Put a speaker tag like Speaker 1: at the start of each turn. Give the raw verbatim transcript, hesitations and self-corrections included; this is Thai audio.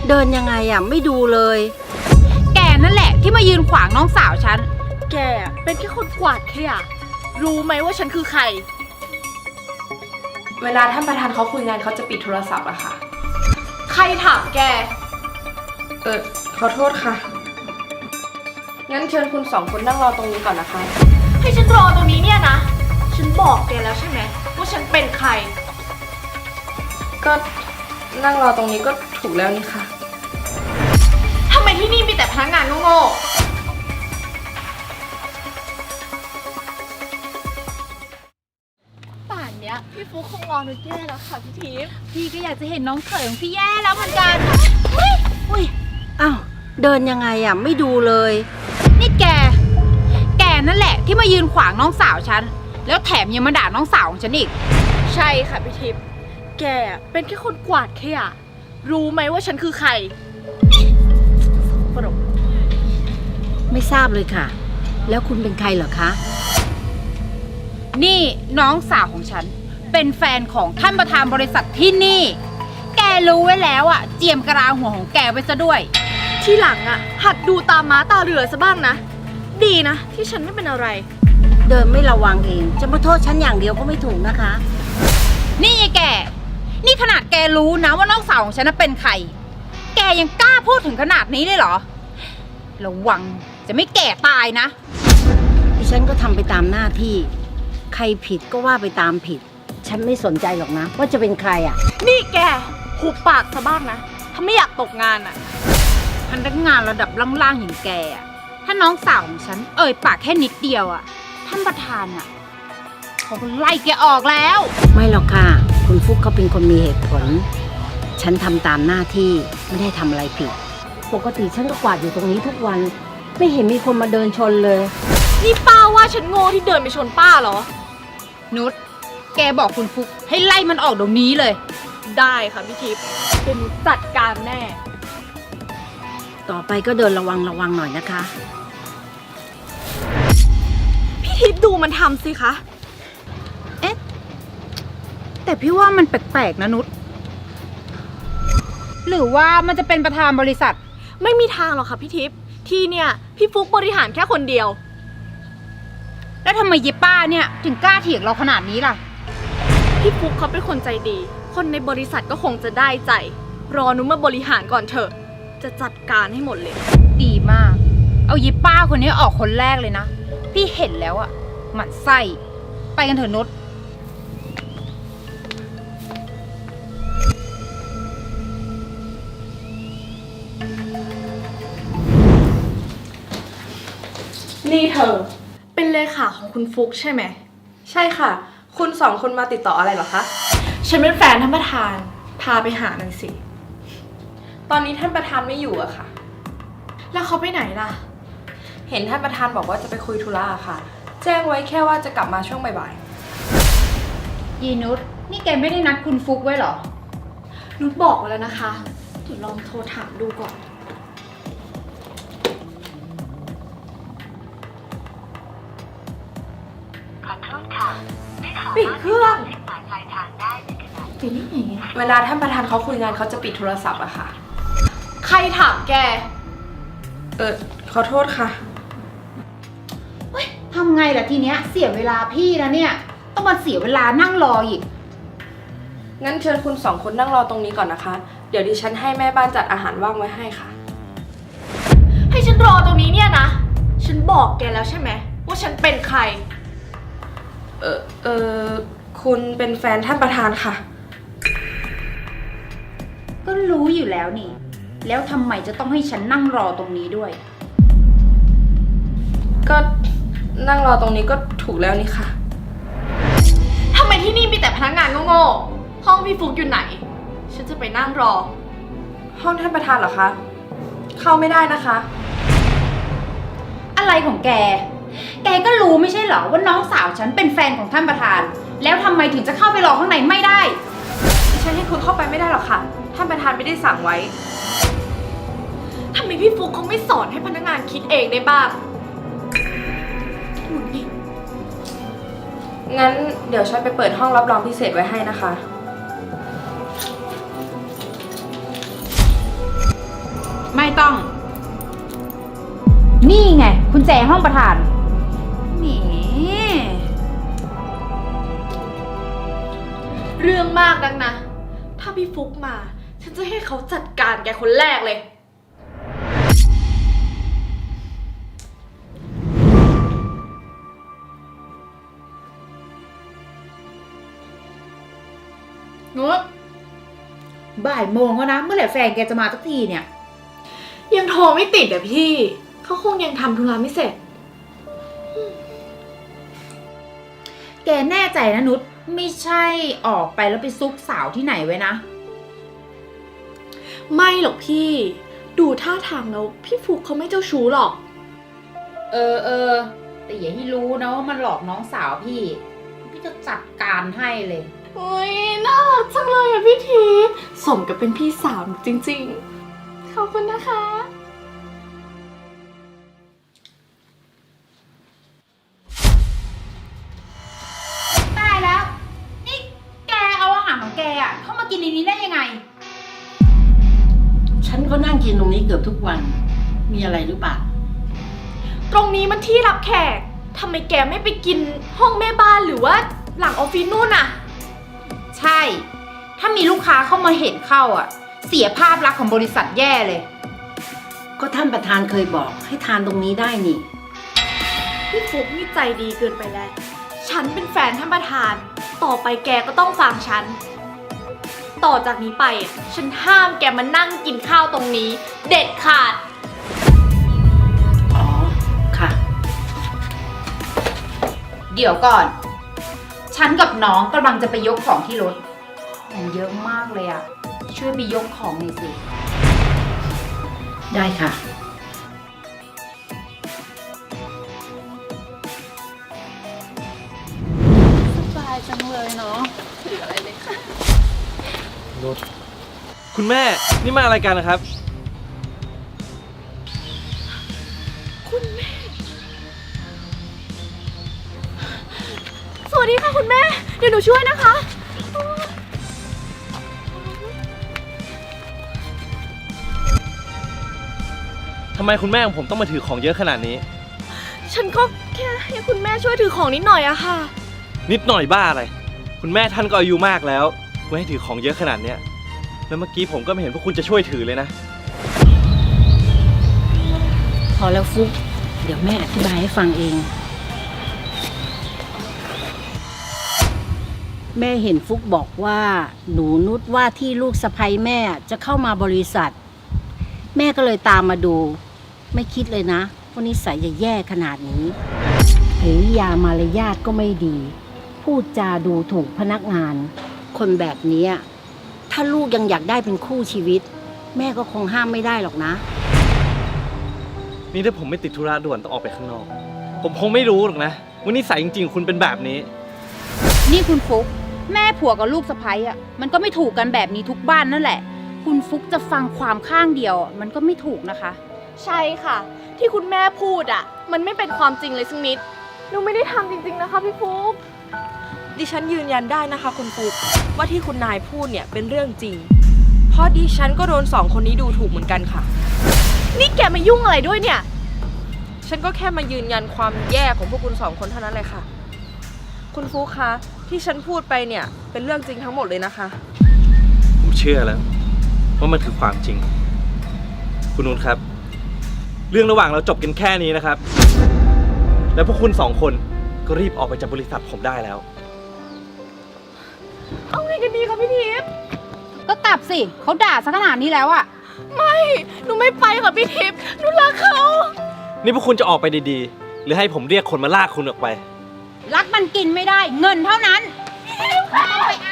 Speaker 1: เดินยังไงอ่ะไม่ดูเลย
Speaker 2: แกนั่นแหละที่มายืนขวางน้องสาวฉัน
Speaker 3: แกเป็นแค่คนกวาดขยะรู้ไหมว่าฉันคือใคร
Speaker 4: เวลาท่านประธานเขาคุยงานเขาจะปิดโทรศัพท์อะค่ะ
Speaker 3: ใครถามแก
Speaker 4: เออขอโทษค่ะงั้นเชิญคุณสองคนนั่งรอตรงนี้ก่อนนะคะ
Speaker 3: ให้ฉันรอตรงนี้เนี่ยนะฉันบอกแกแล้วใช่ไหมว่าฉันเป็นใคร
Speaker 4: ก็นั่งรอตรงนี้ก็ถูกแล้วนี่ค่ะ
Speaker 3: ทำไมที่นี่มีแต่พนักงานโง่ๆป่านเนี้ยพี่ฟุ๊กคงรอหนูแย่แล้วค่ะพี่ทิพย์
Speaker 2: พี่ก็อยากจะเห็นน้องเขยของพี่แย่แล้วเหมือนกัน
Speaker 1: อุ้ยอ้าวเดินยังไงอ่ะไม่ดูเลย
Speaker 2: นี่แกแกนั่นแหละที่มายืนขวางน้องสาวฉันแล้วแถมยังมาด่าน้องสาวของฉันอีก
Speaker 3: ใช่ค่ะพี่ทิพย์แกเป็นแค่คนกวาดขยะรู้ไหมว่าฉันคือใครปรบ
Speaker 1: ไม่ทราบเลยค่ะแล้วคุณเป็นใครเหรอคะ
Speaker 2: นี่น้องสาวของฉันเป็นแฟนของท่านประธานบริษัทที่นี่แกรู้ไว้แล้วอ่ะเจียมกระลาหัวของแกไว้ซะด้วย
Speaker 3: ที่หลังอ่ะหัดดูตาม้าตาเรือซะบ้างนะดีนะที่ฉันไม่เป็นอะไร
Speaker 1: เดินไม่ระวังเองจะมาโทษฉันอย่างเดียวก็ไม่ถูกนะคะ
Speaker 2: นี่แกนี่ขนาดแกรู้นะว่าน้องสาวของฉันเป็นใครแกยังกล้าพูดถึงขนาดนี้เลยเหรอระวังจะไม่แก่ตายนะ
Speaker 1: ดิฉันก็ทำไปตามหน้าที่ใครผิดก็ว่าไปตามผิดฉันไม่สนใจหรอกนะว่าจะเป็นใครอ่ะ
Speaker 3: นี่แกหุบปากซะบ้างนะถ้าไม่อยากตกงานอ่ะ
Speaker 2: พนักงานระดับล่างๆอย่างแกอ่ะถ้าน้องสาวของฉันเอ่ยปากแค่นิดเดียวอ่ะท่านประธานอ่ะเขาก็ไล่แกออกแล้ว
Speaker 1: ไม่หรอกค่ะคุณฟุกเขาเป็นคนมีเหตุผลฉันทำตามหน้าที่ไม่ได้ทำอะไรผิดปกติฉันก็กวาดอยู่ตรงนี้ทุกวันไม่เห็นมีคนมาเดินชนเลย
Speaker 3: นี่ป้าว่าฉันโง่ที่เดินไปชนป้าเหรอ
Speaker 2: นุชแกบอกคุณฟุกให้ไล่มันออกเดี๋ยวนี้เลย
Speaker 3: ได้ค่ะพี่ทิพย์เป็นจัดการแน่
Speaker 1: ต่อไปก็เดินระวังระวังหน่อยนะคะ
Speaker 3: พี่ทิพย์ดูมันทำสิคะ
Speaker 2: เอ๊ะแต่พี่ว่ามันแปลกๆนะนุชหรือว่ามันจะเป็นประธานบริษัท
Speaker 3: ไม่มีทางหรอกค่ะพี่ทิพย์ที่เนี่ยพี่ฟุกบริหารแค่คนเดียว
Speaker 2: แล้วทำไมเยป้าเนี่ยถึงกล้าเถียงเราขนาดนี้ล่ะ
Speaker 3: พี่ฟุกเขาเป็นคนใจดีคนในบริษัทก็คงจะได้ใจรอนุมาบริหารก่อนเถอะจะจัดการให้หมดเลย
Speaker 2: ดีมากเอาเยป้าคนนี้ออกคนแรกเลยนะพี่เห็นแล้วอะหมั่นไส้ไปกันเถอะนุช
Speaker 3: นี่เธอเป็นเลขาของคุณฟุกใช่ไหม
Speaker 4: ใช่ค่ะคุณสองคนมาติดต่ออะไรเหรอคะ
Speaker 3: ฉันเป็นแฟนท่านประธานพาไปหาหน่อยสิ
Speaker 4: ตอนนี้ท่านประธานไม่อยู่อะค่ะ
Speaker 3: แล้วเขาไปไหนล่ะ
Speaker 4: เห็นท่านประธานบอกว่าจะไปคุยธุระค่ะแจ้งไว้แค่ว่าจะกลับมาช่วงบ่าย
Speaker 2: ๆยีนุชนี่แกไม่ได้นัดคุณฟุกไว้หรอ
Speaker 3: นุชบอกไว้แล้วนะคะเดี๋ยวลองโทรถามดูก่อนปิดเครื่องปิดนี่ไง
Speaker 4: เวลาท่านประธานเขาคุยงานเขาจะปิดโทรศัพท์อะค่ะ
Speaker 3: ใครถามแก
Speaker 4: เออขอโทษค่ะ
Speaker 2: เฮ้ยทำไงล่ะทีเนี้ยเสียเวลาพี่นะเนี่ยต้องมาเสียเวลานั่งรออีก
Speaker 4: งั้นเชิญคุณสองคนนั่งรอตรงนี้ก่อนนะคะเดี๋ยวดิฉันให้แม่บ้านจัดอาหารว่างไว้ให้ค่ะ
Speaker 3: ให้ฉันรอตรงนี้เนี่ยนะฉันบอกแกแล้วใช่ไหมว่าฉันเป็นใคร
Speaker 4: เออเออคุณเป็นแฟนท่านประธานค่ะ
Speaker 2: ก็รู้อยู่แล้วนี่แล้วทำไมจะต้องให้ฉันนั่งรอตรงนี้ด้วย
Speaker 4: ก็นั่งรอตรงนี้ก็ถูกแล้วนี่ค่ะ
Speaker 3: ทำไมที่นี่มีแต่พนักงานโง่ๆห้องพี่ฟุกอยู่ไหนฉันจะไปนั่งรอ
Speaker 4: ห้องท่านประธานเหรอคะเข้าไม่ได้นะคะ
Speaker 2: อะไรของแกแกก็รู้ไม่ใช่เหรอว่าน้องสาวฉันเป็นแฟนของท่านประธานแล้วทำไมถึงจะเข้าไปรอข้างในไม่ได้
Speaker 4: ดิฉันให้คุณเข้าไปไม่ได้หรอกค่ะท่านประธานไม่ได้สั่งไว้
Speaker 3: ทำไมพี่ฟุกเขาไม่สอนให้พนักงานคิดเองได้บ้าง
Speaker 4: งั้นเดี๋ยวฉันไปเปิดห้องรับรองพิเศษไว้ให้นะคะ
Speaker 2: ไม่ต้อง นี่ไงคุณแจห้องประธานแหม
Speaker 3: เรื่องมากนักนะ ถ้าพี่ฟุกมา ฉันจะให้เขาจัดการแกคนแรกเลย
Speaker 2: นุชบ่ายโมงแล้วนะ เมื่อไหร่แฟนแกจะมาสักทีเนี่ย
Speaker 3: ยังโทรไม่ติดอะพี่ เขาคงยังทำธุระไม่เสร็จ
Speaker 2: แกแน่ใจนะนุชไม่ใช่ออกไปแล้วไปซุกสาวที่ไหนไว้นะ
Speaker 3: ไม่หรอกพี่ ดูท่าทางแล้วพี่ฟุกเขาไม่เจ้าชู้หรอก
Speaker 2: เออเออแต่อย่าให้รู้นะว่ามันหลอกน้องสาวพี่ พี่จะจัดการให้เลย
Speaker 3: อุ้ยน่ารักจังเลยอะพี่ทีสมกับเป็นพี่สาวจริงๆ ขอบคุณนะคะ
Speaker 2: ตายแล้ว นี่แกเอาอาหารของแกอะเข้ามากินในนี้ได้ยังไง
Speaker 1: ฉันก็นั่งกินตรงนี้เกือบทุกวัน มีอะไรหรือเปล่า
Speaker 3: ตรงนี้มันที่รับแขกทำไมแกไม่ไปกินห้องแม่บ้านหรือว่าหลังออฟฟิศนู่นอะ
Speaker 2: ใช่ ถ้ามีลูกค้าเข้ามาเห็นเข้าอ่ะ เสียภาพลักษณ์ของบริษัทแย่เลย
Speaker 1: ก็ท่านประธานเคยบอกให้ทานตรงนี้ได้นี่
Speaker 3: พี่ฟุกนี่ใจดีเกินไปแล้ว ฉันเป็นแฟนท่านประธาน ต่อไปแกก็ต้องฟังฉัน ต่อจากนี้ไปอ่ะฉันห้ามแกมานั่งกินข้าวตรงนี้ เด็ดขาด
Speaker 1: อ๋อ ค่ะ
Speaker 2: เดี๋ยวก่อน ฉันกับน้องกำลังจะไปยกของที่รถมันเยอะมากเลยอ่ะ ช่วยไปยกของหน่อยสิ
Speaker 1: ได้ค่ะ
Speaker 3: สบายจังเลยเนาะหรืออะไรเลยค่ะ
Speaker 5: นุชคุณแม่นี่มาอะไรกันนะครับ
Speaker 3: คุณแม่ สวัสดีค่ะคุณแม่ เดี๋ยวหนูช่วยนะคะ
Speaker 5: ทำไมคุณแม่ของผมต้องมาถือของเยอะขนาดนี้
Speaker 3: ฉันก็แค่ให้คุณแม่ช่วยถือของนิดหน่อยอะค่ะ
Speaker 5: นิดหน่อยบ้าอะไร คุณแม่ท่านก็อายุมากแล้วไม่ให้ถือของเยอะขนาดเนี้ยแล้วเมื่อกี้ผมก็ไม่เห็นพวกคุณจะช่วยถือเลยนะ
Speaker 1: พอแล้วฟุก เดี๋ยวแม่อธิบายให้ฟังเอง แม่เห็นฟุกบอกว่า หนูนุชว่าที่ลูกสะใภ้แม่จะเข้ามาบริษัท แม่ก็เลยตามมาดู ไม่คิดเลยนะว่านิสัยจะแย่ขนาดนี้หรือยามารยาทก็ไม่ดี พูดจาดูถูกพนักงาน คนแบบนี้ถ้าลูกยังอยากได้เป็นคู่ชีวิต แม่ก็คงห้ามไม่ได้หรอกนะ
Speaker 5: นี่ถ้าผมไม่ติดธุระด่วนต้องออกไปข้างนอก ผมคงไม่รู้หรอกนะว่านิสัยจริงๆคุณเป็นแบบนี้
Speaker 2: นี่คุณฟุก แม่ผัวกับลูกสะใภ้อ่ะ มันก็ไม่ถูกกันแบบนี้ทุกบ้านนั่นแหละ คุณฟุกจะฟังความข้างเดียวอะมันก็ไม่ถูกนะคะ
Speaker 3: ใช่ค่ะ ที่คุณแม่พูดอะมันไม่เป็นความจริงเลยสักนิด หนูไม่ได้ทำจริงๆนะคะพี่ฟุก
Speaker 4: ดิฉันยืนยันได้นะคะคุณฟุกว่าที่คุณนายพูดเนี่ยเป็นเรื่องจริง เพราะดิฉันก็โดนสองคนนี้ดูถูกเหมือนกันค่ะ
Speaker 3: นี่แกมายุ่งอะไรด้วยเนี่ย
Speaker 4: ฉันก็แค่มายืนยันความแย่ของพวกคุณสองคนเท่านั้นเลยค่ะ คุณฟุกคะที่ฉันพูดไปเนี่ยเป็นเรื่องจริงทั้งหมดเลยนะคะ
Speaker 5: ผมเชื่อแล้วว่ามันคือความจริง คุณนุชครับ เรื่องระหว่างเราจบกันแค่นี้นะครับ แล้วพวกคุณสองคนก็รีบออกไปจากบริษัทผมได้แล้ว
Speaker 3: เอาไงกันดีคะพี่ทิพย์
Speaker 2: ก็กลับสิ เขาด่าซะขนาดนี้แล้วอ่ะ
Speaker 3: ไม่ หนูไม่ไปค่ะพี่ทิพย์หนูรักเขา
Speaker 5: นี่พวกคุณจะออกไปดีๆ หรือให้ผมเรียกคนมาลากคุณออกไป
Speaker 2: รักมันกินไม่ได้ เงินเท่านั้นไม่ต้องไปเอา